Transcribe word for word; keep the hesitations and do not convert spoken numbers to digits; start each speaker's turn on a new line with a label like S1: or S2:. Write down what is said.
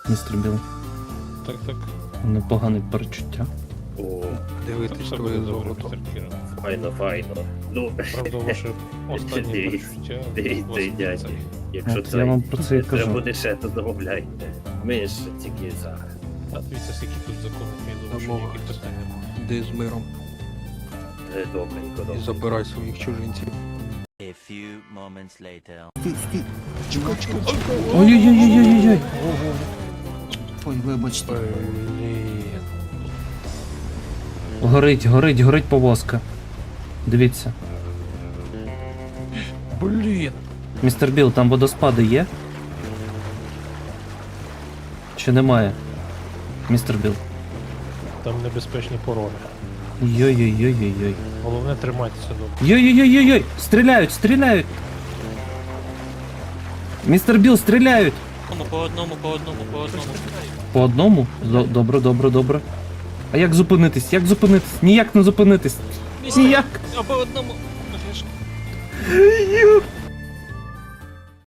S1: містер Біл.
S2: Так, так.
S1: Непогане перечуття.
S3: О,
S4: Дивитись
S2: Все
S4: твоє
S2: буде добре,
S4: золото.
S2: містер Кіра.
S3: файно, файно. Ну,
S2: Правда, ваше останнє
S3: Дивіться,
S2: перечуття.
S3: дивіться,
S2: вас
S3: дядь.
S2: це.
S3: Якщо
S1: От
S3: це
S1: я вам про це і
S3: треба
S1: кажу.
S3: буде ще, то замовляйте. Ми ж тільки за.
S2: А дивіться, скільки тут законів є, що
S4: Домова.
S2: ніяких питань немає.
S4: Йди з миром
S3: Е, Добренько,
S4: і
S3: добре.
S4: забирай своїх чужинців.
S5: A few moments later.
S4: Чекай, чекай, чекай.
S1: Ой-ой-ой-ой-ой-ой.
S6: Ой, вибачте.
S2: Блін.
S1: Горить, горить, горить повозка. Дивіться.
S2: Блін.
S1: Містер Біл, там водоспади є? Чи немає? Містер Біл.
S2: Там небезпечні пороги.
S1: Йой-йой-йой-йой-йой.
S2: Головне тримайтеся добре.
S1: Йой-йой-йой-йой! Стріляють, стріляють! Містер Біл, стріляють!
S7: По одному, по одному, по одному.
S1: По одному? До- Добре, добре, добре. А як зупинитись? Як зупинитись? Ніяк не зупинитись. Ніяк.
S7: А по одному. Ну, я ж-
S1: Ю-